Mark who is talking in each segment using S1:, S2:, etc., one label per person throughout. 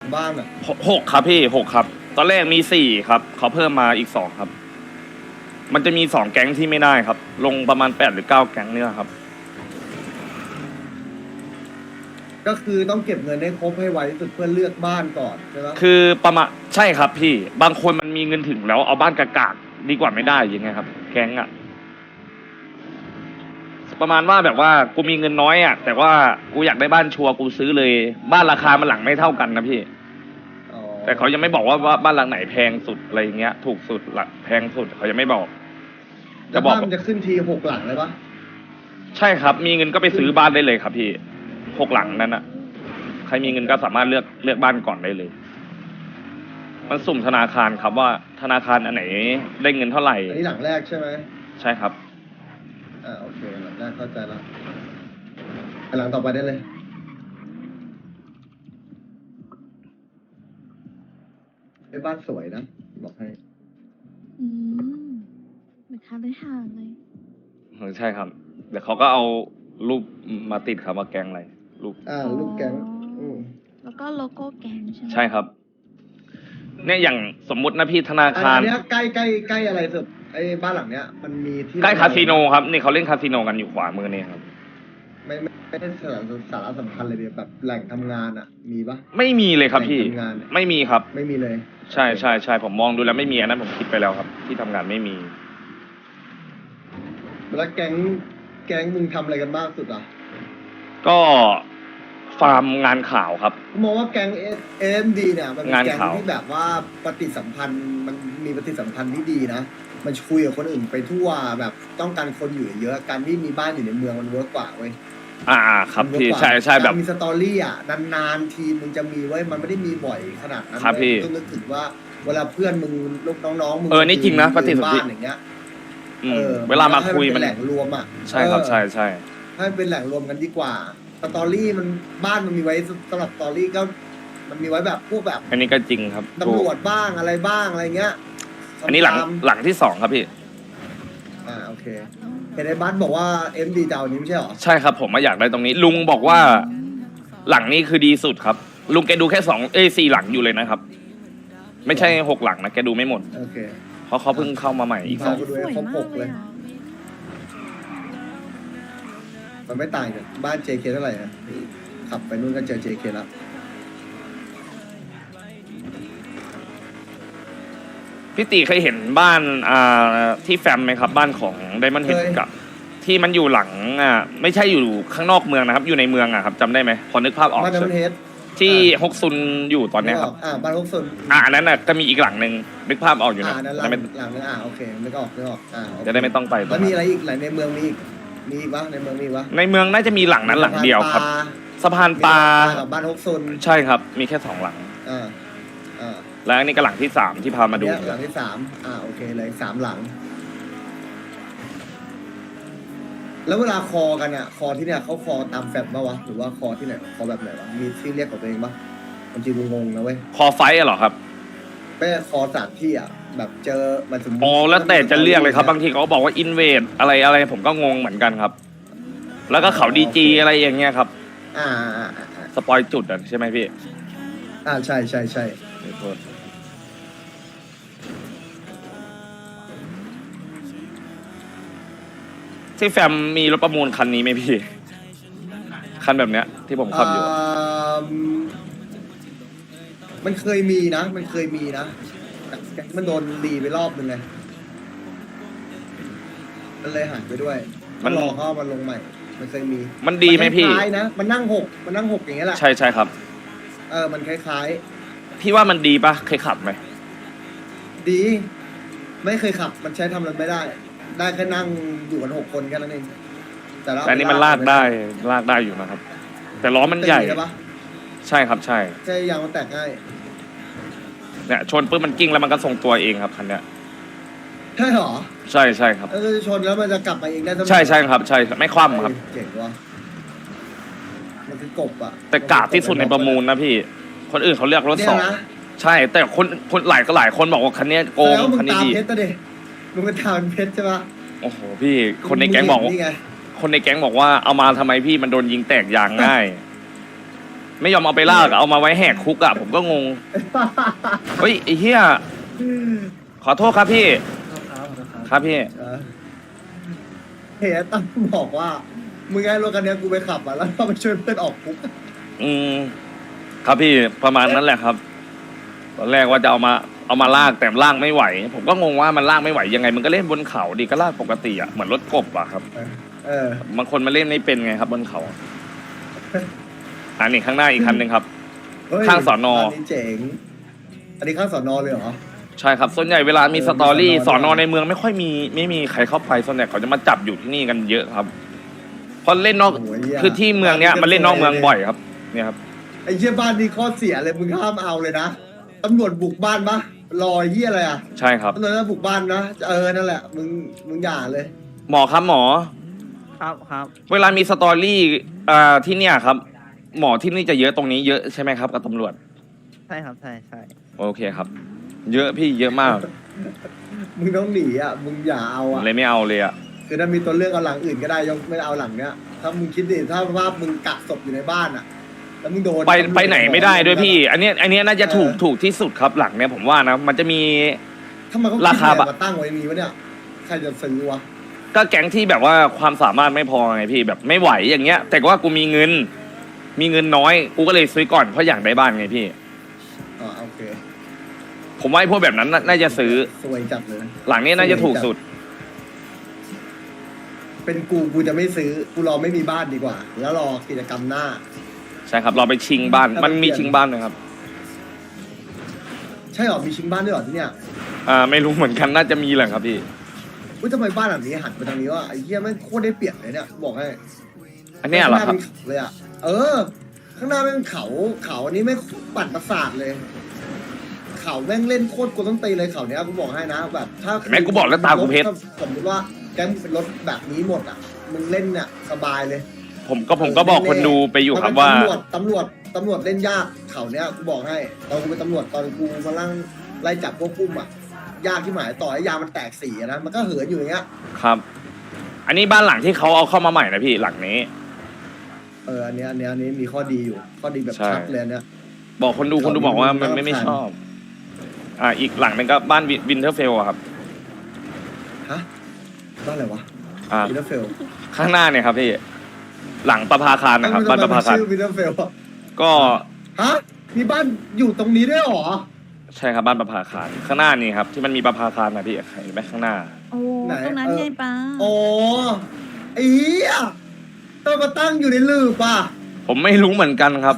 S1: บ้านอ่ะ
S2: หกครับพี่6ครับตอนแรกมี4ครับเขาเพิ่มมาอีก2ครับมันจะมี2แก๊งที่ไม่ได้ครับลงประมาณ8หรือ9แก๊งเนี่ยครับ
S1: ก็คือต้องเก็บเงินให้ครบให้ไวที่สุดเพื่อเลือกบ้านก่อนใช่ไหม
S2: คือประมาณใช่ครับพี่บางคนมันมีเงินถึงแล้วเอาบ้านกากๆดีกว่าไม่ได้ยังไงครับแก๊งอะประมาณว่าแบบว่ากูมีเงินน้อยอะแต่ว่ากูอยากได้บ้านชัวร์กูซื้อเลยบ้านราคามันหลังไม่เท่ากันนะพี่
S1: อ๋อ
S2: แต่เขายังไม่บอกว่าบ้านหลังไหนแพงสุดอะไรอย่างเงี้ยถูกสุดหลักแพงสุดเขายังไม่บอก
S1: แล้วบ้านมันจะขึ้นที6 หลังเลยปะ
S2: ใช่ครับมีเงินก็ไปซื้อบ้านได้เลยครับพี่6 หลังนั้นอะใครมีเงินก็สามารถเลือกบ้านก่อนได้เลยมันสุ่มธนาคารครับว่าธนาคารอันไหนได้เงินเท่าไหร่
S1: อันนี้หลังแรกใช่ไหม
S2: ใช่ครับ
S1: โอเคหลังแรกเข้าใจแล้วหลังต่อไปได้เลยไอ้บ้านสวยนะบอกให้
S3: อืมเหมือนค้าเลยห่างเลย
S2: ใช่ครับเดี๋ยวเขาก็เอารูปมาติดครับว่าแกงอะไรรูป
S1: ลูกแก๊ง
S3: แล้วก็โลโก้แก๊งใช่ไหม
S2: ใช่ครับเนี่ยอย่างสมมุตินะพี่ธนาคาร
S1: อันนี้ใกล้อะไรสุดไอ้บ้านหลังเนี้ยมันมีที่
S2: ใกล้คาสิโนครับนี่เขาเล่นคาสิโนกันอยู่ขวามือนี่ครับ
S1: ไม่ได้สาระสำคัญเลยเดียวแบบแหล่งทำงานอ่ะมีปะ
S2: ไม่มีเลยครับพี่ไม่มีครับ
S1: ไม่มีเลย
S2: ใช่ผมมองดูแล้วไม่มีอันนั้นผมคิดไปแล้วครับที่ทำงานไม่มี
S1: แล้วแก๊งมึงทำอะไรกันบ้างสุดอ่ะ
S2: ก็ฟาร์มงานข่าวครับ
S1: มองว่าแก๊งAMDเนี่ยมันเป็นแก๊งที่แบบว่าปฏิสัมพันธ์มันมีปฏิสัมพันธ์ที่ดีนะมันคุยกับคนอื่นไปทั่วแบบต้องการคนอยู่เยอะการที่มีบ้านอยู่ในเมืองมันเวิร์กกว่าเว้ย
S2: ครับพี่ใช่แบบ
S1: มีสตอรี่อ่ะนานๆทีมึงจะมีไว้มันไม่ได้มีบ่อยขนาดนั้น
S2: ครับพี่
S1: ต้องนึกถึงว่าเวลาเพื่อนมึงลูกน้องๆมึง
S2: นี่จริงนะปฏิสัมพันธ์
S1: อย่างเงี้ย
S2: เวลามาคุยมัน
S1: แหล่งรวมอ่ะ
S2: ใช่ครับใช่
S1: ให้เป็นแหล่งรวมกันดีกว่าสตอรี่มันบ้านมันมีไว้สำหรับสตอรี่ก็มันมีไว้แบบพวกแบบ
S2: อันนี้ก็จริงครับ
S1: ตำรวจบ้างอะไรบ้างอะไรเงี้ย
S2: อันนี้หลังที่2ครับพี่
S1: โอเคเห็นไอ้บัสบอกว่าMDเจ้านี้ไม่ใช่หรอ
S2: ใช่ครับผมมาอยากได้ตรงนี้ลุงบอกว่าหลังนี้คือดีสุดครับลุงแกดูแค่4 หลังอยู่เลยนะครับไม่ใช่6 หลังนะแกดูไม่หมด
S1: โอเค
S2: เพราะเขาเพิ่งเข้ามาใหม่อีก
S1: 2ดูครบ6เลยมันไม่ต่างจากบ้าน JK เท่าไหร่นะขับไปนู่นก็เจอ JK แล้ว
S2: พี่ตีเคยเห็นบ้านที่แฟมไหมครับบ้านของไดมอนด์เฮดกับที่มันอยู่หลังไม่ใช่อยู่ข้างนอกเมืองนะครับอยู่ในเมืองครับจำได้ไหมพอนึกภาพออก
S1: บ้านไดมอนด์เฮด
S2: ที่ฮกซุนอยู่ตอนนี้ครับ
S1: บ้านฮกซุน
S2: อันนั้นก็มีอีกหลังหนึ่งนึกภาพออกอยู่นะ
S1: หลังนึงโอเคนึกออก
S2: จะได้ไม่ต้องไป
S1: แล้วมีอะไรอีกหลังในเมืองมีอีกวะในเมืองมีวะ
S2: ในเมืองน่าจะมีหลังนั้นหลังเดียวครับสะพานปลา
S1: กับบ้านฮกซุน
S2: ใช่ครับมีแค่2 หลังแล้วอันนี้ก็หลังที่3ที่พามาดู
S1: หลังที่3โอเคเลย3 หลังแล้วเวลาคอกันอ่ะคอที่เนี่ยเขาคอตามแฟบปะวะหรือว่าคอที่ไหนคอแบบไหนวะมีที่เรียกของตัวเองปะมันจริงงงนะเว้ย
S2: คอไฟเหรอครับ
S1: ไม่คอสถานที่อ่ะแบบเจอมันสมมติ
S2: แล้วแต่จะเรียกเลยครับบางทีเขาบอกว่าอินเวดอะไรผมก็งงเหมือนกันครับแล้วก็เขาดีจีอะไรอย่างเงี้ยครับสปอยจุดใช่ไหมพี่
S1: ใช่
S2: ที่แฟมมีรถประมูลคันนี้ไหมพี่คันแบบเนี้ยที่ผมขับอยู่
S1: มันเคยมีนะแต่มันโดนรีไปรอบนึงไงมันเลยหายไปด้วยมันรอเข้ามันลงใหม่มันเคยมี
S2: มันดีไหมพี่
S1: คล้ายนะมันนั่งหกอย่างเงี้ยแหละ
S2: ใช่ครับ
S1: มันคล้าย
S2: พี่ว่ามันดีปะเคยขับไหม
S1: ดีไม่เคยขับมันใช้ทำอะไรไม่ได้แค่นั่งอยู่กัน6 คนแค่นั้นเอง
S2: แต่นี่มันลากได้อยู่นะครับแต่ล้อมันใหญ่ใช่ครับใช่
S1: ยางมันแตกง่าย
S2: เนี่ยชนปุ๊บมันกิ้งแล้วมันก็ทรงตัวเองครับคันเนี้ย
S1: ใช่หรอ
S2: ใช่ครับ
S1: ชนแล้วมันจะกลับมาเองได้
S2: ใช่ครับใช่ไม่คว่ำครับ
S1: เก่งว่ะมันคือกบอะ
S2: แต่กาดที่สุดในประมูลนะพี่คนอื่นเขาเรียกรถ2ใช่แต่คนหลายคนบอกว่าคันนี้โกงคันนี้ดี
S1: มึงเป็นทาวน์เพชรใช่ปะ
S2: โอ้โหพี่คนในแก๊งบอกว่าเอามาทำไมพี่มันโดนยิงแตกยางง่ายไม่ยอมเอาไปลากอะเอามาไว้แหกคุกอะผมก็งงเฮ้ยไอ้เหี้ยขอโทษครับพี่ครับพี่
S1: เฮ้ยตั้มบอกว่ามึงไงรถคันนี้กูไปขับอ่ะแล้วก็ไปช่วยเพื่อนออกคุก
S2: ครับพี่ประมาณนั้นแหละครับตอนแรกว่าจะเอามาลากแต่ลากไม่ไหว ผมก็งงว่ามันลากไม่ไหวยังไงมันก็เล่นบนเขาดีก็ลากปกติอะเหมือนรถกบอะครับบางคนมาเล่นไม่เป็นไงครับบนเขาอันนี้ข้างหน้าอีกคันหนึ่งครับ ข้างสอนอ
S1: อันนี้เจ๋งอันนี้ข้างสอนอเลยเหรอ
S2: ใช่ครับส่วนใหญ่เวลามีสตอรี่สอนอในเมืองไม่มีใครเข้าไปส่วนใหญ่เขาจะมาจับอยู่ที่นี่กันเยอะครับเพราะเล่นนอกคือที่เมืองเนี้ยมันเล่นนอกเมืองบ่อยครับเนี่ยครับ
S1: ไอ้เหี้ยบ้านนี้ข้อเสียเลยมึงห้ามเอาเลยนะตำรวจบุกบ้านปะรอเหี้ยอะไรอ่ะ
S2: ใช่ครับ
S1: ตำรวจบุกบ้านนะนั่นแหละมึงอย่าเลย
S2: หมอครับหมอ
S4: ครับ
S2: เวลามีสตอรี่ที่เนี่ยครับ หมอที่นี่จะเยอะตรงนี้เยอะใช่ไหมครับกับตำรวจ
S4: ใช่ครับใช่
S2: โอเคครับ เยอะพี่เยอะมาก
S1: มึงต้องหนีอ่ะมึงอย่าเอาอ่ะ
S2: เลยไม่เอาเลยอ่ะ
S1: คือถ้ามีตัวเลือกเอาหลังอื่นก็ได้ยกไม่เอาหลังเนี้ยถ้ามึงคิดดิถ้าว่ามึงกักศพอยู่ในบ้านอ่ะแล้วมึงโดน
S2: ไปไหนไม่ได้ด้วยพี่ อันเนี้ยน่าจะถูกที่สุดครับหลังเนี้ยผมว่านะมันจะมี
S1: ถ้ามันก็
S2: ราคา
S1: แบบมาตั้งไว้นี้วะเนี่ยใครจะซื้อวะ
S2: ก็แก๊งที่แบบว่าความสามารถไม่พอไงพี่แบบไม่ไหวอย่างเงี้ย แต่ว่ากูมีเงินน้อยกูก็เลยซื้อก่อนเพราะอยากได้บ้านไงพี่
S1: โอเค
S2: ผมว่าไอ้พวกแบบนั้นน่าจะซื้อ
S1: สวยจัดเลย
S2: หลังนี้น่าจะถูกสุด
S1: เป็นกูจะไม่ซื้อกูรอไม่มีบ้านดีกว่า แล้วรอกิจกรรมหน้า
S2: ใช่ครับเราไปชิงบ้านมันมีชิงบ้านนะครับ
S1: ใช่หรอมีชิงบ้านด้วยหรอที่เนี่ย
S2: ไม่รู้เหมือนกันน่าจะมีแหละครับพี่
S1: อุ้ยทำไมบ้านหลังนี้หันไปทางนี้วะไอ้เหี้ยแม่งโคตรได้เปรียบเลยเนี่ยบอกให้
S2: อันเนี้ยเหรอครับ
S1: ข้างน้าเป็นเขาเลยอ่ะข้างหน้าเป็นเขาอันนี้ไม่ปั่นประสาทเลย เขาแม่งเล่นโคตรกวนต้นตีเลยเขาเนี้ยกูบอกให้นะแบบถ้า
S2: แม่งกูบอกแล้วตากูเพชร
S1: สมมติว่าแก๊งเป็นรถแบบนี้หมดอ่ะมึงเล่นเนี่ยสบายเลย
S2: ผมก็บอกคนดูไปอยู่ครับว่า
S1: ตำรวจเล่นยากเขาเนี้ยกูบอกให้ตอนกูเป็นตำรวจตอนกูมาไล่จับพวกกุ้มอ่ะยากที่หมายต่อให้ยางมันแตกสีอะนะมันก็เหินอยู่อย่างเงี้ย
S2: ครับ อันนี้บ้านหลังที่เขาเอาเข้ามาใหม่นะพี่หลังนี้
S1: อันนี้มีข้อดีอยู่ข้อดีแบบ
S2: ใช่
S1: ชัดเลยเนี่ย
S2: บอกคนดูบอกว่ามันไม่ชอบ อีกหลังหนึงก็บ้านวินเทอร์เฟลครับ
S1: ฮะบ้านอะไรวะ วินเทอร์เฟล
S2: ข้างหน้าเนี่ยครับพี่ หลังประภาคารนะครับบ้านประภาคาร
S1: ชื่อวินเทอร์เฟล
S2: ก็
S1: ฮะมีบ้านอยู่ตรงนี้ด้วยเหรอ
S2: ใช่ครับบ้านประภาคารข้างหน้านี่ครับที่มันมีประภาคารนะพี่เห็นไหมข้างหน้า
S3: โอ้ตรงนั้นไงป้า
S1: โอ้ไอ้เหี้ยต้องมาตั้งอยู่ในลืบป่ะ
S2: ผมไม่รู้เหมือนกันครับ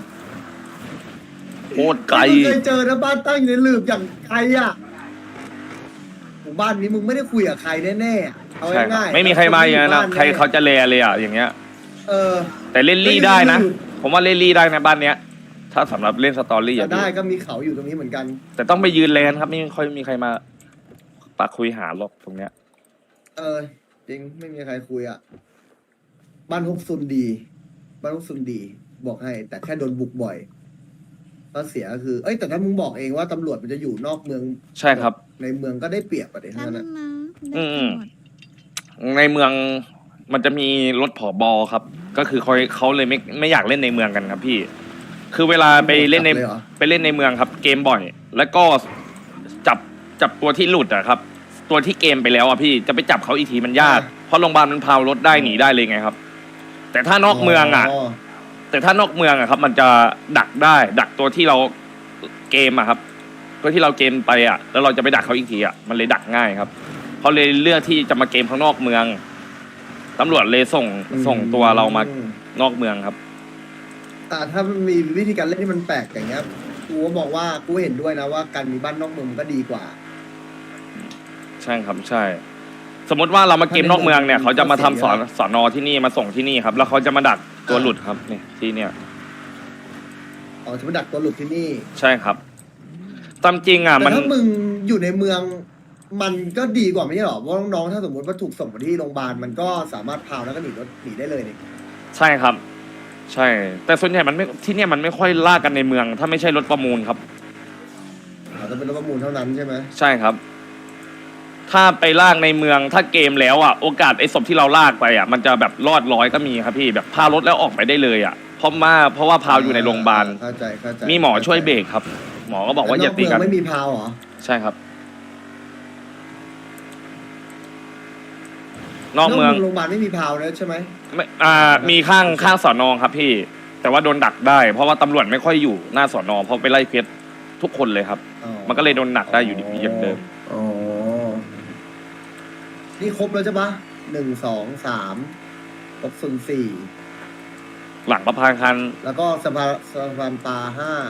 S2: โคตรไกล
S1: มึงเคยเจอนะบ้านตั้งอยู่ในลืบอย่างใครอ่ะหมู่บ้านนี้มึงไม่ได้คุยกับใครแน่ๆเอา
S2: ใช่ครับ
S1: ง่ายๆ
S2: ไม่มีใครมาอย่างนั้นนะ
S1: บ้
S2: ใครเขาจะแลเลยอ่ะอย่างเงี้ย แต่เล่นลี่ได้นะ ผมว่าเล่นลี่ได้นะบ้านเนี้ย ถ้าสำหรับเล่นสตอรี่
S1: จะ
S2: อ่ะ
S1: ได้ก็มีเขาอยู่ตรงนี้เหมือนกัน
S2: แต่ต้องไปยืนแลนครับไม่ค่อยมีใครมาปากคุยหาหรอกตรงเนี้ย
S1: จริงไม่มีใครคุยอ่ะบ้านฮกซุนดีบ้านฮกซุนดี บอกให้ แต่แค่โดนบุกบ่อยก็เสียก็คือแต่ถ้ามึงบอกเองว่าตำรวจมันจะอยู่นอกเมือง
S2: ใช่ครับ
S1: ในเมืองก็ได้เปรียบอะเด็ก
S3: นั่
S1: นั้น
S3: น
S1: นะ
S3: นะได้ตำรวจ
S2: ในเมืองมันจะมีรถผอบอครับ ก็คือเขาเลยไม่อยากเล่นในเมืองกันครับพี่ คือเวลาไปเล่นใน
S1: จับลยหรอ
S2: ไปเล่นในเมืองครับ เกมบ่อย แล้วก็จับตัวที่หลุดอะครับ ตัวที่เกมไปแล้วอะพี่จะไปจับเขาอีกทีมันยากเพราะโรงพยาบาลมันพาวรถได้หนีได้เลยไงครับ แต่ถ้านอกเมืองอะครับ มันจะดักได้ดักตัวที่เราเกมอะครับ ตัวที่เราเกมไปอะแล้วเราจะไปดักเขาอีกทีอะมันเลยดักง่ายครับเขาเลยเลือกที่จะมาเกมข้างนอกเมืองตำรวจเลยส่งตัวเรามานอกเมืองครับ
S1: ถ้ามันมีวิธีการเล่นที่มันแปลกอย่างเงี้ยกูก็บอกว่ากูเห็นด้วยนะว่าการมีบ้านนอกเมืองมันก็ดีกว่า
S2: ใช่ครับใช่ สมมติว่าเรามาเกมนอกเมืองเนี่ยเขาจะมาทำสอนอที่นี่มาส่งที่นี่ครับ แล้วเขาจะมาดักตัวหลุดครับนี่ที่เนี่ย
S1: จะมาดักตัวหลุดที่นี่
S2: ใช่ครับตามจริงอ่ะ
S1: แต่
S2: มัน
S1: ถ้ามึงอยู่ในเมืองมันก็ดีกว่าไม่ใช่หรอเพราะน้องๆถ้าสมมติว่าถูกส่งมาที่โรงพยาบาลมันก็สามารถพาวแล้วก็หนีได้เลยนี่
S2: ใช่ครับ ใช่ แต่ส่วนใหญ่มันไม่ที่เนี่ยมันไม่ค่อยล่ากันในเมือง ถ้าไม่ใช่รถประมูลครับ
S1: จะเป็นรถประมูลเท่านั้นใช่ไหม
S2: ใช่ครับ ถ้าไปลากในเมืองถ้าเกมแล้วอ่ะโอกาสไอ้ศพที่เราลากไปอ่ะมันจะแบบรอดร้อยก็มีครับพี่แบบพารถแล้วออกไปได้เลยอ่ะเพเพราะว่าพาวอยู่ในโรงพยาบาล
S1: เข้าใจเข้าใจ
S2: มีหมอช่วยเบรกครับ หมอก็บอกว่าอย่าตีกัน
S1: แล้วนอกเมืองไม่มีพาวเหรอ
S2: ใช่ครับ นอกเมือง
S1: โรงพยาบาลไม่มีพาวนะใช่ไหม
S2: ไม่มีข้างสอนอครับพี่ แต่ว่าโดนดักได้ เพราะว่าตำรวจไม่ค่อยอยู่หน้าสอนอเพราะไปไล่เคสทุกคนเลยครับ
S1: อ๋อ
S2: มันก็เลยโดนหนักได้อยู่ดีอย่างเดิม
S1: อ๋อนี่ครบแล้วใช่ปะ1 2 3 6 0 4
S2: หลังประพานคัน
S1: แล้วก็สะพานปลา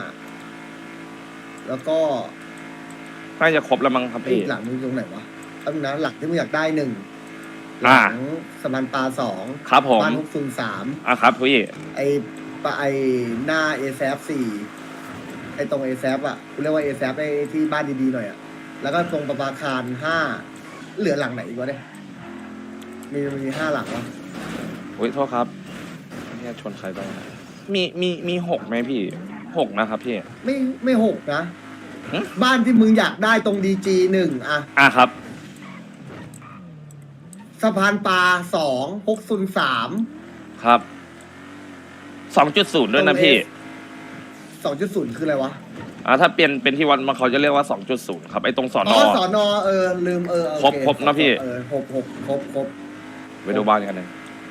S1: 5แล้วก็
S2: น่าจะครบแล้วมั้งครับ
S1: อี
S2: พี่
S1: กหลังนึงตรงไหนวะตั้งนะหลักที่มึงอยากได้1ห
S2: อ่า
S1: ลังสะพานปลา2
S2: ครับผม
S1: บ้าน603
S2: ครับพี่
S1: ไอหน้า ASAP 4ไอตรง ASAP อ่ะกูเรียกว่า ASAP ไอที่บ้านดีๆหน่อยอ่ะแล้วก็ตรงประภาคาร5เหลือหลังไหนอีกวะเนี่ยมี5หลังวะ
S2: อุ้ยโทษครับเนี่ยชนใครบ้างมี6ไหมพี่6นะครับพี่
S1: ไม่6นะ
S2: หึ
S1: บ้านที่มึงอยากได้ตรง DG 1อ่ะ
S2: ครับ
S1: สะพานปลา2 603
S2: ครับ 2.0 ด้วยนะพี่
S1: 2.0 คืออะไรวะ
S2: ถ้าเป็นที่วัดมันเขาจะเรียกว่า 2.0 ครับไอ้ตรงสอน
S1: อ๋
S2: อ
S1: อสอนอลืมโอเ
S2: ครบนะพี่
S1: ครบ
S2: ไปดูบ้านกันเลย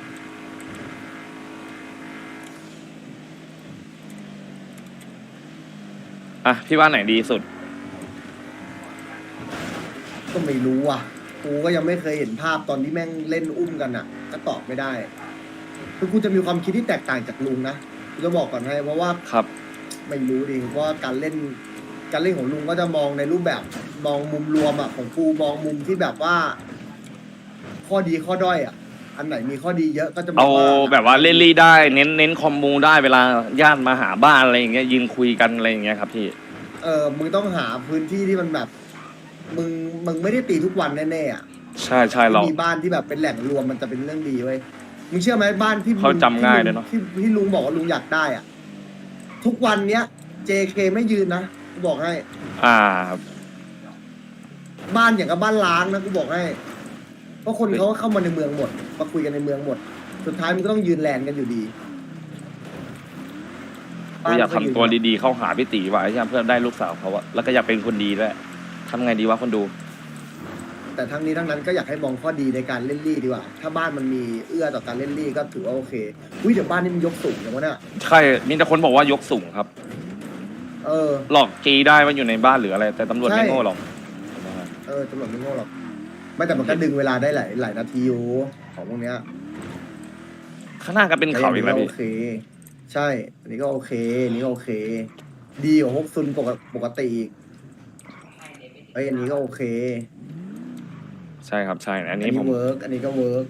S2: พี่ว่าไหนดีสุด
S1: ก็ไม่รู้อ่ะกูก็ยังไม่เคยเห็นภาพตอนที่แม่งเล่นอุ้มกันอ่ะ ก็ตอบไม่ได้คือกูจะมีความคิดที่แตกต่างจากลุงนะกูจะบอกก่อนให้เพราะว่า
S2: ครับ
S1: ไม่รู้ดิเพราะว่าการเล่นของลุงก็จะมองในรูปแบบมองมุมรวมอ่ะของกูมองมุมที่แบบว่า ข้อดีข้อด้อยอ่ะ อันไหนมีข้อดีเยอะก็จะบอ
S2: เอา
S1: กว่า
S2: แบบว่าเล่นลี่ได้เน้นคอมมูได้เวลาญาติมาหาบ้านอะไรอย่างเงี้ยยืนคุยกันอะไรอย่างเงี้ยครับพี่
S1: มึงต้องหาพื้นที่ที่มันแบบ มึงไม่ได้ตีทุกวันแน่ๆอ่ะ
S2: ใช่เรา
S1: มีบ้านที่แบบเป็นแหล่งรวมมันจะเป็นเรื่องดีเว้ยมึงเชื่อไหมบ้านที่
S2: เขาจำง่ายเลยเนอะ
S1: ที่ลุงบอกว่าลุงอยากได้อ่ะ ทุกวันเนี้ย JK ไม่ยืนนะกูบอกให้
S2: ครับ
S1: บ้านอย่างกับบ้านล้างนะกูบอกให้ เพราะคนเขาก็เข้ามาในเมืองหมดมาคุยกันในเมืองหมด สุดท้ายมันก็ต้องยืนแลนกันอยู่ดี
S2: ก็อยากทำตัวดีๆเข้าหาพี่ตีไว้ใช่ไหมเพื่อได้ลูกสาวเขาอะแล้วก็อยากเป็นคนดีด้วยทำไงดีวะคนดู
S1: แต่ทั้งนี้ทั้งนั้นก็อยากให้มองข้อดีในการเล่นลี่ดีกว่า ถ้าบ้านมันมีเอื้อต่อการเล่นลี่ก็ถือว่าโอเคอุ้ยเดี๋ยวบ้านนี่มันยกสูงอย่างวะเนี่ย
S2: ใช่มีแต่คนบอกว่ายกสูงครับ หลอกจีได้ว่าอยู่ในบ้านหรืออะไร แต่ตำรวจ
S1: ใช่
S2: ไม่โง่หรอก
S1: ตำรวจไม่โง่หรอกไม่แต่มันก็ดึงเวลาได้หลายนาทีอยู่ของพวกเนี้ย
S2: ข้างหน้าก็เป็นเขาอีกแล้ว
S1: โอ
S2: พี่
S1: เค ใช่ อันนี้ก็โอเคอันนี้ก็โอเค ดีกว่าฮกซุนปกติอีกอันนี้ก็โอเค
S2: ใช่ครับใช่ อัน
S1: อัน
S2: นี้
S1: นี้
S2: ผม
S1: เวิร์กอันนี้ก็เวิร์ก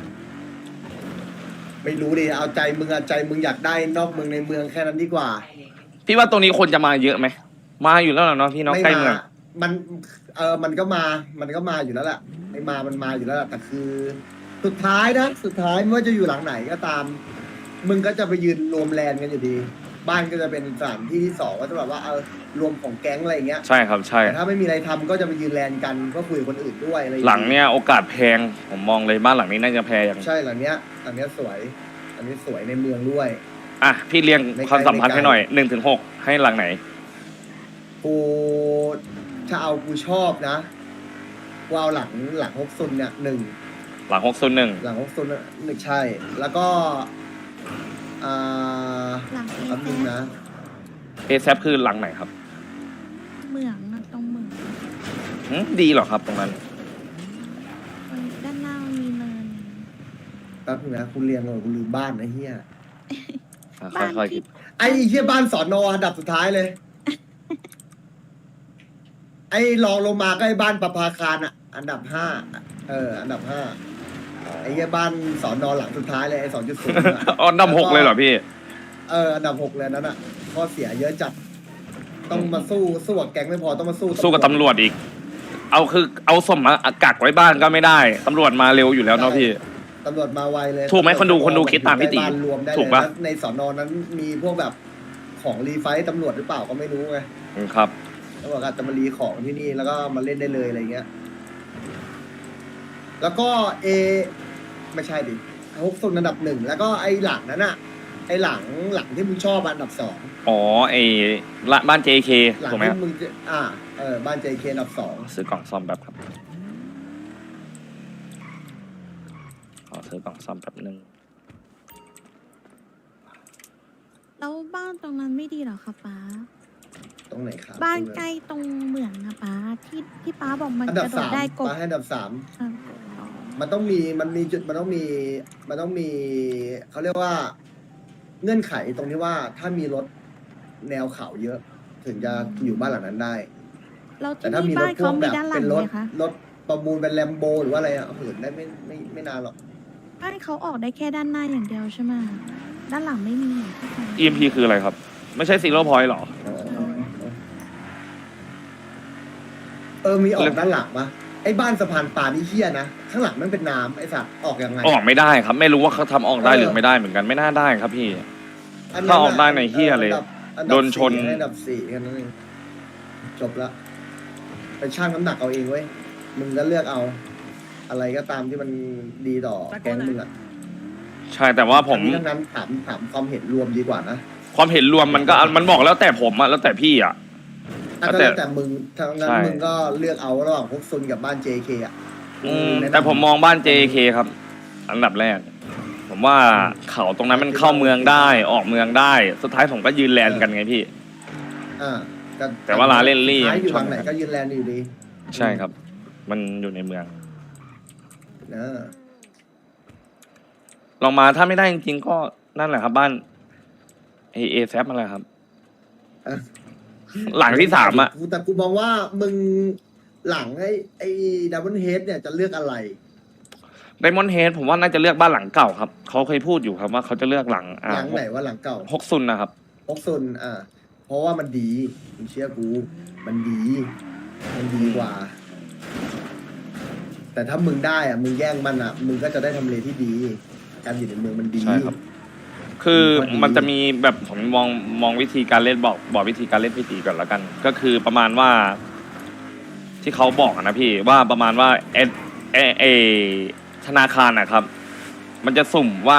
S1: ไม่รู้ดิเอาใจมึงเอาใจมึงอยากได้นอกเมืองในเมืองแค่นั้นดีกว่า
S2: พี่ว่าตรงนี้คนจะมาเยอะไหมมาอยู่แล้วเหรอเนาะพี่น้อง
S1: ไม่
S2: ใกล้
S1: มา
S2: เมือง
S1: มันก็มาอยู่แล้วแหละไม่มามันมาอยู่แล้วแหละแต่คือ สุดท้ายไม่ว่าจะอยู่หลังไหนก็ตาม มึงก็จะไปยืนรวมแลนกันอยู่ดี บ้านก็จะเป็นสถานที่ที่สองก็จะแบบว่ารวมของแก๊งอะไรอย่างเงี้ย
S2: ใช่ครับใช่
S1: แต่ถ้าไม่มีอะไรทำก็จะไปยืนแลนกันก็คุยกับคนอื่นด้วยอะไรอา
S2: หลังเนี้ยโอกาสแพงผมมองเลยบ้านหลังนี้น่าจะแพงอย่าง
S1: ใช่หลังเนี้ยสวยอันนี้สวยในเมืองด้วย
S2: พี่เรียง
S1: ไม่ไกล
S2: ความสัมพันธ์
S1: ไม่ไกล
S2: ให้หน่อย1 ถึง 6ให้หลังไหน
S1: กูถ้าเอากูชอบนะกูเอาหลังฮกซุนเนี่ย1
S2: หลัง601
S1: หลังฮกซุน1ใช่ แล้วก็
S3: หลัง
S1: แป๊บนึงนะ
S2: เอซคือหลังไหนครับ
S3: เหมืองอะตรงเหมือง
S2: ดีเหรอครับตรงนั้น
S3: ด้านหน้ามันมีเนิน
S1: แป๊บนึงนะคุณเรียงเลยคุณลืมบ้านนะเฮีย
S3: บ้าน
S2: ค่อยๆคิ
S3: ที่
S2: ด
S1: ไอ้เฮียบ้านสอนออันดับสุดท้ายเลย ไอ้รองลงมาก็ไอ้บ้านประภาคารอ่ะ อันดับ5อันดับ5ไอ้เฮียบ้านสอนอหลังสุดท้ายเลยไอ้2.0
S2: อันดับ 6เลยเหรอพี่
S1: อันดับ6เลยนั้นอ่ะข้อเสียเยอะจัด ต้องมาสู้กับแก๊งไม่พอต้องมาสู้
S2: สู้กับตำรวจอีก เอาสมมากักไว้บ้านก็ไม่ได้ตำรวจมาเร็วอยู่แล้วเนาะพี่
S1: ตำรวจมาไวเลย
S2: ถูกไหมคนดูคิดตามพี่ตี
S1: ได้บ้นรวมได้เลย
S2: ถูกปะ
S1: แล้วในสอนอนั้นมีพวกแบบของรีไฟท์ตำรวจหรือเปล่าก็ไม่รู้ไง
S2: ครับ
S1: ตำรวจอาจจะมารีของที่นี่แล้วก็มาเล่นได้เลยอะไรเงี้ย แล้วก็ไม่ใช่ดิฮกซุนอันดับ1แล้วก็ไอ้หลังนั้นอ่ะไอ้หลังที่มึงชอบอันดับ 2
S2: อ๋อไอ้ละบ้าน JK
S1: หลัง
S2: ถูกไหมค
S1: ที่
S2: รับ
S1: มึงจะบ้าน JK อันดับ 2
S2: ซื้อกล่องซ่อมแบบครับขอซื้อกล่องซ่อมแบบนึง
S3: แล้วบ้านตรงนั้นไม่ดีเหรอคะป้า
S1: ตรงไหนครับ
S3: บ้านใกล้ตรงเหมืองนะป้าที่ป้าบอกมัน
S1: อัน
S3: ก
S1: ดับ
S3: ระโดด
S1: 3
S3: ได้กบ
S1: มาให้อันดับ 3
S3: อ่ะ
S1: มันต้องมีจุดมันต้องมีเขาเรียกว่า เงื่อนไขตรงที่ว่าถ้ามีรถแนวเขาเยอะ ถึงจะอยู่บ้านหลังนั้นได้
S3: แล้ว
S1: แต่
S3: ที่
S1: ถ้ามี
S3: นี่
S1: ร
S3: บ้า
S1: ถ
S3: น
S1: พ่ว
S3: เขา
S1: ง
S3: มี
S1: แบบ
S3: ด้านหลั
S1: เป็
S3: ง
S1: น
S3: ไหมคะ
S1: รถประมูลเป็นแลมโบหรือว่าอะไรเหินได้ไม่นานหรอก
S3: บ้านเขาออกได้แค่ด้านหน้าอย่างเดียวใช่ไหมด้านหลังไม่มีเหรอที่เขา
S2: EMP คืออะไรครับ ไม่ใช่ซีโร่พอยต์หรอ
S1: มีออกด้านหลังปะไอ้บ้านสะพานปลานี่เฮี้ยนะข้างหลังมันเป็นน้ำไอ้สัตว์ออกยังไง
S2: ออกไม่ได้ครับ ไม่รู้ว่าเขาทำออกได้หรือไม่ได้เหมือนกันไม่น่าได้ครับพี่
S1: นนั้น
S2: ถ้าออกได้ในเหี้ยเลย
S1: อั
S2: โดนชน
S1: อันดับ 4แค่นั้นเองจบละไปชั่งน้ำหนักเอาเองเว้ยมึงก็เลือกเอา อะไรก็ตามที่มันดีต่อแก๊งมึงอะ
S2: ใช่แต่ว่าผม
S1: ทั้งนั้นถามความเห็นรวมดีกว่านะ
S2: ความเห็นรวมมันก็มันบอกแล้วแต่ผมอะแล้วแต่พี่อะ
S1: ก็แล้วแต่มึงทั้งนั้น
S2: ใช่
S1: มึงก็เลือกเอาระหว่างพวกซุนกับบ้าน JK อ่ะ
S2: แต่ผมมองบ้าน JK ครับ อันดับแรก ผมว่าเขาตรงนั้นมันเข้าเมืองได้ออกเมืองได้ สุดท้ายผมก็ยืนแลนกันไงพี่
S1: อ่าก็
S2: แต่ว่าลาเล่นลี่
S1: ท้ายอยู่
S2: ชอบ
S1: ทางไหนก็ยืนแลนด์อยู่ดี
S2: ใช่ครับ มันอยู่ในเมือง
S1: นะ
S2: ลองมาถ้าไม่ได้จริงๆก็นั่นแหละครับ บ้านเอแซฟอะไรครับ
S1: อ่ะ
S2: หลังที่ 3อะ
S1: แต่กูมองว่ามึงหลังไอ้ดับเบิลเฮดเนี่ยจะเลือกอะไร
S2: ไดมอนด์เฮดผมว่าน่าจะเลือกบ้านหลังเก่าครับเขาเคยพูดอยู่ครับว่าเขาจะเลือกหลัง
S1: หลังไหนว่าหลังเก่า
S2: ฮกซุนนะครับ
S1: พกซุนเพราะว่ามันดีมึงเชื่อกูมันดีกว่า แต่ถ้ามึงได้มึงแย่งมันมึงก็จะได้ทำเลที่ดี การอยู่ในเมืองมันดี
S2: ใช่ครับ คือมันจะมีแบบผมมองวิธีการเล่นบอกวิธีการเล่นพี่ตีก่อนแล้วกัน ก็คือประมาณว่า ที่เขาบอกนะพี่ว่าประมาณว่าเอธนาคารนะครับ มันจะสุ่มว่า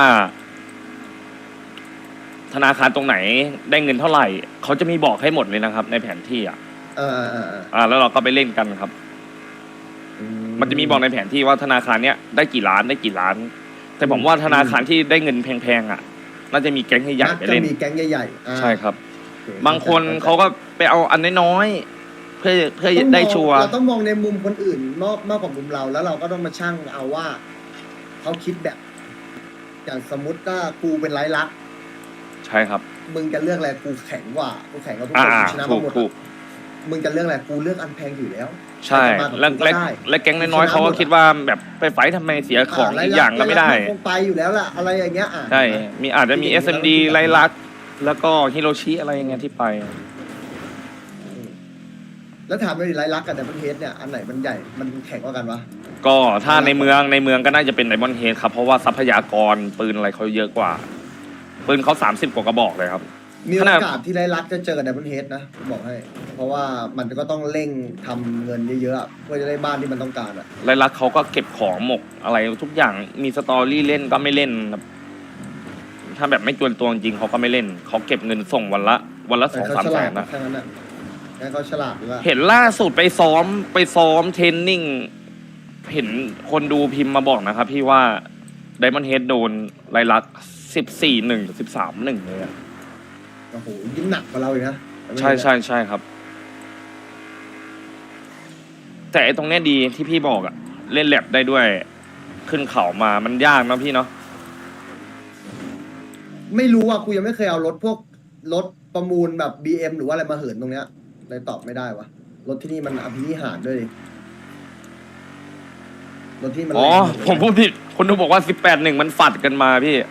S2: ธนาคารตรงไหนได้เงินเท่าไหร่เขาจะมีบอกให้หมดเลยนะครับ ในแผนที่แล้วเราก็ไปเล่นกันครับ มันจะมีบอกในแผนที่ว่าธนาคารเนี้ยได้กี่ล้านได้กี่ล้าน แต่ผมว่าธนาคารที่ได้เงินแพงๆน่าจะมีแก๊งใหญ่ๆไปเล่น
S1: จะมีแก๊งใหญ่ๆ
S2: ใช่ครับ บางคนเขาก็ไปเอาอันน้อยๆเพื่อได้ชัวร์
S1: เราต้องมองในมุมคนอื่นมากกว่ามุมเราแล้วเราก็ต้องมาชั่งเอาว่าเขาคิดแบบอย่างสมมติว่ากูเป็นไรลักษณ์
S2: ใช่ครับ
S1: มึงจะเลือกอะไรกูแข็งกว่ากูแข็งกว่าทุกคนชนะมาหมด
S2: ถูก
S1: มึงจะเลือกอะไรกูเลือกอันแพงอยู่แล้ว
S2: ใช่และแก๊งน้อยๆเขาก็คิดว่าแบบไปไฟท์ทำไมเสียของอีกอย่างก็ไม่ได้
S1: คงไปอยู่แล้วล่ะอะไรอย่างเงี้ย
S2: ใช่มีอาจจะมี SMD ไลลักแล้วก็ฮิโรชิอะไรอย่างเงี้ยที่ไป
S1: แล้วถามเลยไรลักษณ์กับดับเบิลเฮดเนี่ยอันไหนมันใหญ่มันแข็งกว่ากันวะ
S2: ก็ถ้าในเมืองก็น่าจะเป็นไดมอนด์เฮดครับเพราะว่าทรัพยากรปืนอะไรเขาเยอะกว่าปืนเขา30 กว่ากระบอกเลยครับ
S1: มีโอกาสที่ไรลักษณ์จะเจอกับดับเบิลเฮดนะบอกให้ เพราะว่ามันก็ต้องเร่งทำเงินเยอะๆเพื่อจะได้บ้านที่มันต้องการ
S2: ไลลักเขาก็เก็บของหมกอะไรทุกอย่างมีสตอรี่เล่นก็ไม่เล่นครับถ้าแบบไม่จวนตัวจริงเขาก็ไม่เล่นเขาเก็บเงินส่งวันละ2-3 แสนนะ
S1: แค่นั้นน่ะแค่เขาฉลาดหรือว่า
S2: เห็นล่าสุดไปซ้อมเทรนนิ่งเห็นคนดูพิมพ์มาบอกนะครับพี่ว่าไดมอนด์เฮดโดนไลลัก14-1 13-1เลยอะ
S1: โอ้โหยิ่งหนักกว่าเราอีกนะ
S2: ใช่ครับ แต่ไอ้ตรงเนี้ยดีที่พี่บอกอะเล่นแลบได้ด้วยขึ้นเขามามันยากนะพี่เนาะ
S1: ไม่รู้อ่ะกูยังไม่เคยเอาพวกรถประมูลแบบ BM หรือว่าอะไรมาเหินตรงเนี้ยเลยตอบไม่ได้วะรถที่นี่มันอภินิหารด้วยดิรถที่มัน
S2: อ๋อ
S1: แรง
S2: ผมพูดผิดคนดูบอกว่า18-1มันฝัดกันมาพี่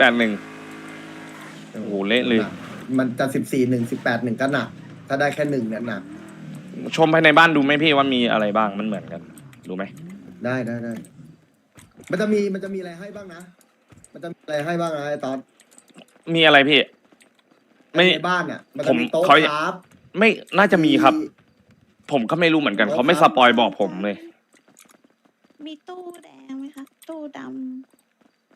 S2: 18-1โอ้โหเละเลย
S1: มันจะ14-1 18-1ก็หนักถ้าได้แค่1เนี่ยหนัก
S2: ชมภายในบ้านดูไหมพี่ว่ามีอะไรบ้างมันเหมือนกันดูไหม
S1: ได้มันจะมีอะไรให้บ้างนะมันจะมีอะไรให้บ้างนะไอ้ตอน
S2: มีอะไรพี่ ไม่
S1: ในบ้านเนี่ยมันจะมีโต๊ะ
S2: เขา
S1: ครับ
S2: ไม่น่าจะมีครับ ผมก็ไม่รู้เหมือนกันเขาไม่สปอยบอกผมเลย
S3: มีตู้แดงไหมคะตู้ด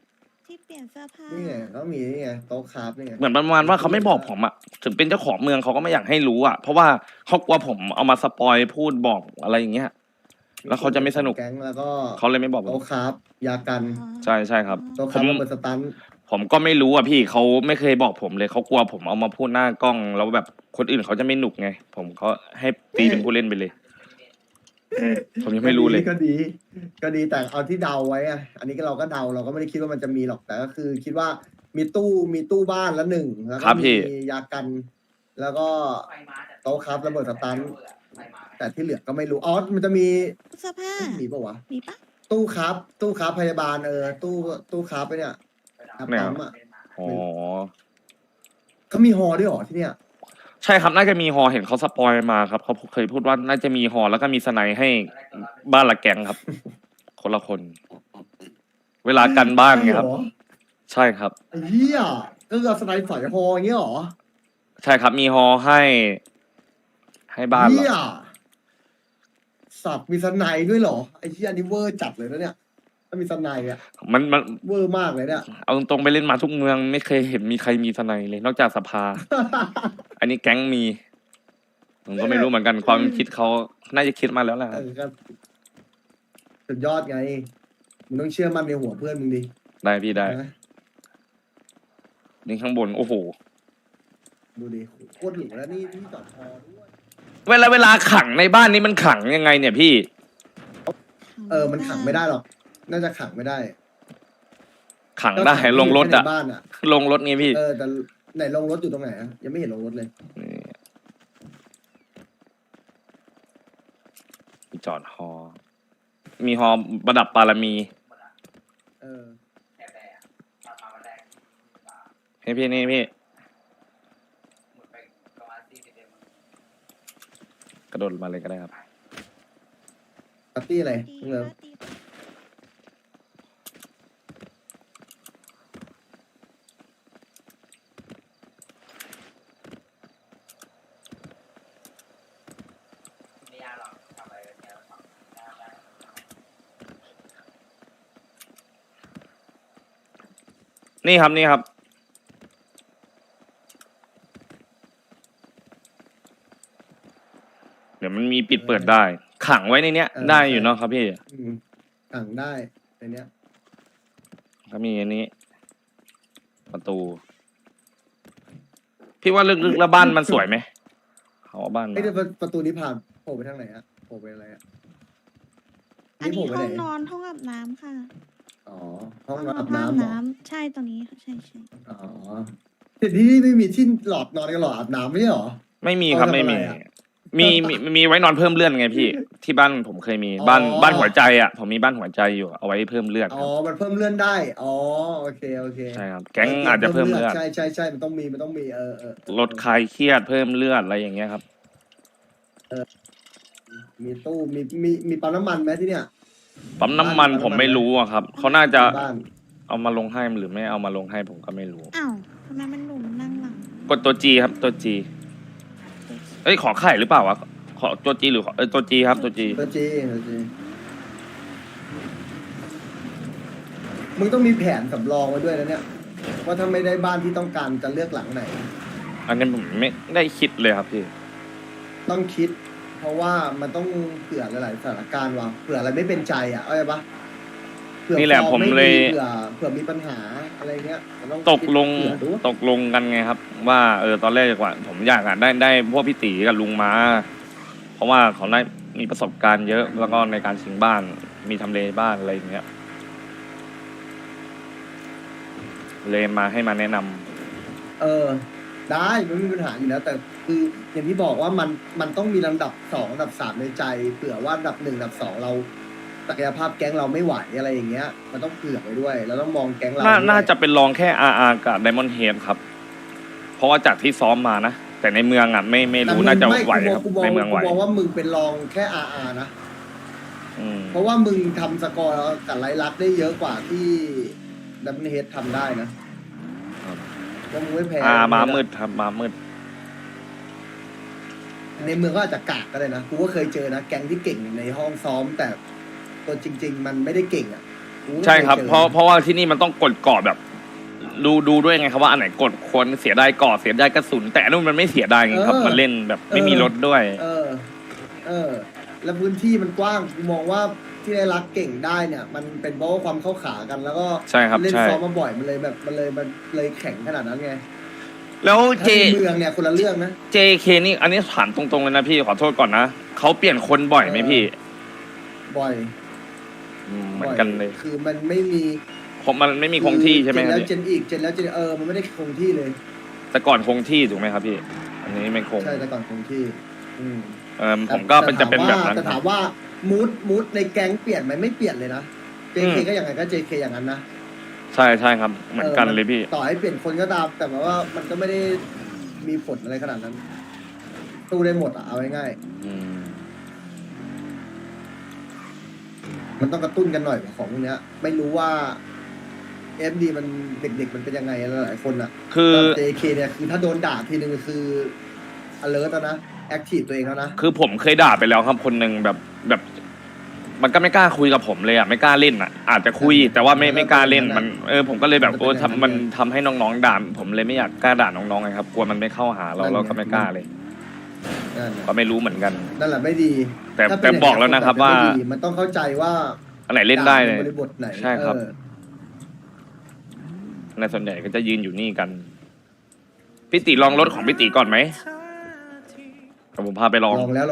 S3: ที่เปลี่ยนเสื้อผ้า
S1: นี่ไงก็มีนี่ไงโต๊ะคราฟนี่ไง
S2: เหมือนประมาณว่าเขาไม่บอกผมอะถึงเป็นเจ้าของเมืองเขาก็ไม่อยากให้รู้อะเพราะว่าเขากลัวผมเอามาสปอยพูดบอกอะไรอย่างเงี้ย แล้วเขาจะไม่สนุก
S1: แก๊งแล้วก็
S2: เขาเลยไม่บอกผม
S1: โต๊ะคราฟยากัน
S2: ใช่ใช่ครับ
S1: โต๊ะคราฟระเบิดสตัน
S2: ผมก็ไม่รู้อ่ะพี่เขาไม่เคยบอกผมเลยเขากลัวผมเอามาพูดหน้ากล้อง แล้วแบบคนอื่นเขาจะไม่หนุกไง ผมเขาให้ตีเป็นผู้เล่นไปเลย ผมยังไม่รู้เลย
S1: ก็ดี ก็ดีแต่เอาที่เดาไว้อะอันนี้ก็เราก็เดาเราก็ไม่ได้คิดว่ามันจะมีหรอกแต่ก็คือคิดว่ามีตู้บ้านละหนึ่งแล้ว
S2: ครั
S1: ก็
S2: บพี่
S1: มียากัน แล้วก็โต๊ะคราฟระเบิดสตันแต่ที่เหลือก็ไม่รู้อ๋อมันจะมี
S3: เสื้อผ้า
S1: มีปะวะ
S3: มีปะ
S1: ตู้ครับพยาบาลตู้ครับไปเนี่ยปั๊มอ่ะ
S2: อ๋อ
S1: เขามีฮอด้วยเหรอที่เนี่ย
S2: ใช่ครับน่าจะมีฮอเห็นเขาสปอยมาครับเขาเคยพูดว่าน่าจะมีฮอแล้วก็มีสไนให้บ้านละแกงครับ คนละคน เวลากันบ้านไงครับ ใช่ครับ
S1: ไอ้เหี้ยก็คือเอาสไนด์ฝอยฮออย่างเงี้ยเหรอ
S2: ใช่ครับมีฮอให้บ้านเหร
S1: เหี้ย
S2: อ
S1: สัตว์มีสไนด์ด้วยเหรอไอ้เหี้ยนี่เวอร์จัดเลยนะเนี่ยถ้ามีสไนด์อ่ะ
S2: มัน
S1: เวอร์มากเลยเนี่ย
S2: เอาตรงๆไปเล่นมาทุกเมืองไม่เคยเห็นมีใครมีสไนเลย นอกจากสภา อันนี้แก๊งมี ผมก็ไม่รู้เหมือนกันความคิดเขาน่าจะคิดมาแล้วแหละ
S1: เออก็สุดยอดไงมึงต้องเชื่อมั่นในหัวเพื่อนมึงดิ
S2: ได้พี่ได้
S1: นะ
S2: นี่ข้างบนโอ้โห
S1: ดูดิโคตรหรูแล้วนี่ที่จอดฮอด้วย
S2: เวลาขังในบ้านนี้มันขังยังไงเนี่ยพี่
S1: มันขังไม่ได้หรอก น่าจะขังไม่ได้
S2: ขังได้ลงรถ
S1: แค่
S2: อะ
S1: ในบ้านอ่ะ
S2: ลงรถไงพี่
S1: แต่ไหนลงรถอยู่ตรงไหนอะยังไม่เห็นลงรถเลย
S2: นี่มีจอดฮอ มีฮอประดับปารมี
S1: เออ
S2: ให้พี่นี่พี่ กระโดดมาเลยก็ได้ครับ
S1: ปาร์ตี้อะไร
S3: ตี
S1: เงิน
S3: ปะตีปะ
S2: นี่ครับนี่ครับ เดี๋ยวมันมีปิดเปิดได้ ขังไว้ในเนี้ย ได้อยู่เนาะครับพี่
S1: ขังได้ในเนี้ย
S2: ก็มีอันนี้ ประตู พี่ว่าลึกๆแล้วบ้านมันสวยไหมเขาเอาบ้านมา
S1: ไอ้เดี๋ยวประตูนี้ผ่านโผล่ไปทางไหนอะโผล่ไปอะไรอะ
S3: อันนี้
S1: โผล่ไป
S3: ห้
S1: ไห
S3: องนอนห้องอาบน้ำค่ะ
S1: อ๋อ ห้อง
S3: น
S1: อาบ
S3: ห้อง
S1: น้ำเหรอ
S3: ใช่ตรงนี้ค่ะใช่
S1: อ๋อแต่ที่นี่ไม่มีที่หลอดนอนกับหลอดอาบน้ำไม่ใช่เหรอ
S2: ไม่มีครับ
S1: เอาทำ
S2: ไม่มี
S1: อะไรอะ
S2: มีไว้นอนเพิ่มเลื่อนไงพี่ ที่บ้านผมเคยมี
S1: อ๋อ
S2: บ้านหัวใจอ่ะผมมีบ้านหัวใจอยู่เอาไว้เพิ่มเลือดค
S1: อ๋อ
S2: รับ
S1: มันเพิ่มเลื่อนได้ อ๋อ โอเค
S2: ใช่ครับ แก๊งอาจจะเพิ่มเลือด
S1: ใช่มันต้องมี
S2: ลดคลายเครียดเพิ่มเลือดอะไรอย่างเงี้ยครับ
S1: มีตู้ มีปั๊มน้ำมันไหมที่เนี่ย
S2: ปั๊มน้ำมัน
S1: ปั๊มน้ำมัน
S2: ผมไม่รู้อะครับเขาน่าจะ
S1: บ้าน
S2: เอามาลงให้หรือไม่เอามาลงให้ผมก็ไม่รู้
S3: ๆอ้าวทำไมมันหนุ่มนั่งหลัง
S2: กดตัวจีครับตัวจีเอ้ยขอไข่หรือเปล่าวะขอตัวจีหรือตัวจีครับตัวจี
S1: ตัวจีมึงต้องมีแผนสำรองไว้ด้วยนะเนี่ย ว่าถ้าไม่ได้บ้านที่ต้องการจะเลือกหลังไหน
S2: อันนี้ผมไม่ได้คิดเลยครับพี่
S1: ต้องคิด เพราะว่ามันต้องเผื่อหลายๆสถานการณ์ว่ะเผื่ออะไรไม่เป็นใจอ่ะเข้าใจปะเผื่อ
S2: นี่แหละ
S1: ฟอร์
S2: ผม
S1: ไดี
S2: เลย
S1: เผื่อมีปัญหาอะไรเงี้ยมันต้อง
S2: ตกลง
S1: คิดเผื่อดู
S2: ตกลงกันไงครับ ว่าตอนแรกว่าผมอยากได้พวกพี่ตีกับลุงมา เพราะว่าเขาได้มีประสบการณ์เยอะแล้วก็ในการชิงบ้านมีทำเลบ้านอะไรอย่างเงี้ยเลยมาให้มาแนะนำ
S1: ได้มันไม่มีปัญหาอยู่แล้ว แต่คืออย่างที่บอกว่ามันต้องมีลำดับสองลำดับสามในใจเผื่อว่าลำดับหนึ่งลำดับสองเราศักยภาพแก๊งเราไม่ไหวอะไรอย่างเงี้ย มันต้องเผื่อไว้ด้วยเราต้องมองแก๊งเราด้วย
S2: น่าจะเป็นรองแค่ RR กับ Diamond Head ครับ เพราะว่าจากที่ซ้อมมานะ แต่ในเมืองอ่ะไม่รู้น่าจะไหวครับในเมืองไหว
S1: กูมองว่ามึงเป็นรองแค่ RR นะ
S2: อืม
S1: เพราะว่ามึงทำสกอร์กับไลลักได้เยอะกว่าที่ดัมเบิลเฮดทำได้นะว่ามึงไม่แพ้
S2: ม้ามืดครับม้ามืด
S1: ในเมืองก็อาจจะกากก็ได้นะกูก็เคยเจอนะแก๊งที่เก่งในห้องซ้อม แต่ตัวจริง ๆ มันไม่ได้เก่งอ่ะ
S2: ใช่ครับ
S1: ไม่คย
S2: เพราะว่าที่นี่มันต้องกดกรอบแบบ ดูด้วยไงครับว่าอันไหนกดควรเสียดายกรอบเสียดายกระสุน แต่อันนู้นมันไม่เสียดายไงครับ มันเล่นแบบไม่มีรถด้วย
S1: แล้วพื้นที่มันกว้างกูมองว่าที่ได้รักเก่งได้เนี่ย มันเป็นเพราะว่าความเข้าขากันแล้วก็
S2: ใช่ครับ
S1: เล่น
S2: ใช่
S1: ซ้อมมาบ่อยมันเลยแข็งขนาดนั้นไง
S2: แล้วเจ
S1: ถ้าในเมืองเนี่ยคนละเรื่องนะ
S2: JK นี่อันนี้ถามตรงๆเลยนะพี่ขอโทษก่อนนะเขาเปลี่ยนคนบ่อยไหมพี่
S1: บ่อย
S2: เหมือนกันเลย
S1: คือมันไม่มี
S2: ผมมันไม่มีคงที่ใช่ไหม
S1: เจน
S2: ครับ
S1: แล้ว
S2: พี่
S1: เจนอีกเจนแล้วเจนมันไม่ได้คงที่เลย
S2: แต่ก่อนคงที่ถูกไหมครับพี่ อันนี้ไม่คง
S1: ใช่แต่ก่อนคงที่
S2: ผมก็เป็นจะเป็นแบบนั้น
S1: แต่
S2: ค
S1: ถา
S2: รับ
S1: มว่ามูดในแก๊งเปลี่ยนไหมไม่เปลี่ยนเลยนะ JK ก็อย่างไงก็ JK อย่างนั้นนะ
S2: ใช่ใช่ครับ เหมือนกันเลยพี่
S1: ต่อให้เปลี่ยนคนก็ตามแต่ว่ามันก็ไม่ได้มีผลอะไรขนาดนั้นตู้ได้หมดอ่ะเอาง่าย
S2: อืม
S1: ๆมันต้องกระตุ้นกันหน่อยของพวกเนี้ย ไม่รู้ว่า FD มันเด็กๆมันเป็นยังไงหลายคนอ่ะ
S2: คือ
S1: แต่ JK เนี่ยคือถ้าโดนด่าทีนึงคือ alert แล้วนะ active ตัวเองแล้วนะ
S2: คือผมเคยด่าไปแล้วครับคนหนึ่งแบบ มันก็ไม่กล้าคุยกับผมเลยอ่ะไม่กล้าเล่นอ่ะ อาจจะคุยแต่ว่าไม่กล้าเล่นมันผมก็เลยแบบมันทำให้น้องๆด่าผมเลยไม่อยากกล้าด่าน้องๆไงครับกลัวมันไม่เข้าหาเราก็ไม่กล้าเลย
S1: นั่นแหละ
S2: ก็ไม่รู้เหมือนกัน
S1: นั่นแหละไม่ดี
S2: แต่
S1: ถ้าเป็น
S2: บอกแล้วนะครับว่า
S1: ไม่ดีมันต้องเข้าใจว่า
S2: อันไหนเล่นได้เลย
S1: ด่าในบริบทไหน
S2: ใช่ครับ
S1: เออ
S2: ในส่วนใหญ่ก็จะยืนอยู่นี่กันพี่ติลองรถของพี่ติก่อนไหม ผมพาไปลอง
S1: ลองแล้ว